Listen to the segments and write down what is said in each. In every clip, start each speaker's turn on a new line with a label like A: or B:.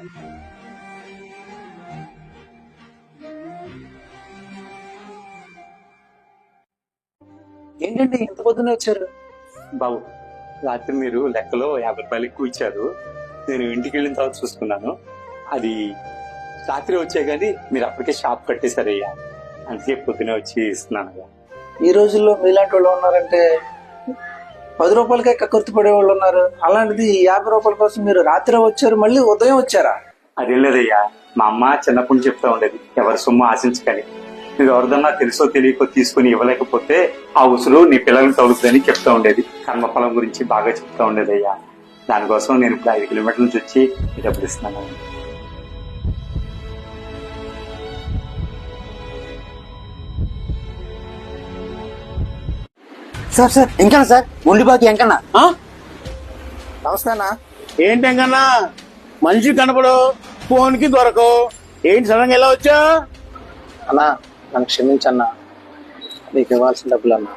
A: ఏంటండి ఇంత పొద్దునే వచ్చారు?
B: బాబు, రాత్రి మీరు లెక్కలో 50 రూపాయలు ఎక్కువ ఇచ్చారు. నేను ఇంటికి వెళ్ళిన తర్వాత చూసుకున్నాను. అది రాత్రి వచ్చే కానీ మీరు అప్పటికే షాప్ కట్టేశారయ్యా. అందుకే పొద్దునే వచ్చి ఇస్తున్నాను.
A: ఈ రోజుల్లో మీలాంటి వాళ్ళు ఉన్నారంటే 10 రూపాయలకే కక్కుర్తి పడే వాళ్ళు ఉన్నారు. అలాంటిది 50 రూపాయల కోసం మీరు రాత్రి వచ్చారు, మళ్ళీ ఉదయం వచ్చారా?
B: అదేం లేదయ్యా, మా అమ్మ చిన్నప్పటి నుంచి చెప్తా ఉండేది, ఎవరి సొమ్ము ఆశించకని. నువ్వు ఎవరిదన్నా తెలుసో తెలియకో తీసుకుని ఇవ్వలేకపోతే ఆ ఉసురు నీ పిల్లల్ని తగులుతుందని చెప్తా ఉండేది. కర్మఫలం గురించి బాగా చెప్తా ఉండేది అయ్యా. దానికోసం నేను ఇప్పుడు 5 కిలోమీటర్ల నుంచి వచ్చి డబ్బులు ఇస్తున్నాను.
C: సార్ సార్ ఎంకన్నా సార్, ఒండిబాకి ఎంకన్నా. నమస్తే అన్న.
D: ఏంటి ఎంకన్నా, మనిషి కనపడు, ఫోన్ కి దొరకవు, ఏంటి సడన్ గా ఎలా వచ్చా?
C: అన్నా నన్ను క్షమించన్నా, నీకు ఇవ్వాల్సిన డబ్బులు అన్నా.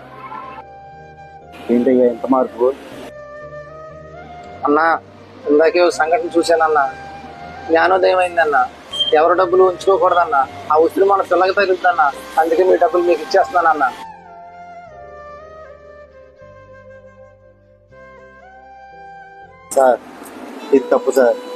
A: ఏంటయ్యా ఎంత మార్పు?
C: అన్నా ఇందాకే ఓ సంఘటన చూశానన్నా, జ్ఞానోదయం అయిందన్నా. ఎవరి డబ్బులు ఉంచుకోకూడదన్నా, ఆ ఉసిరి మన పిల్లకి తగులుతుందన్నా. అందుకే మీ డబ్బులు మీకు ఇచ్చేస్తున్నానన్నా. సార్ ఇది తప్పు సార్.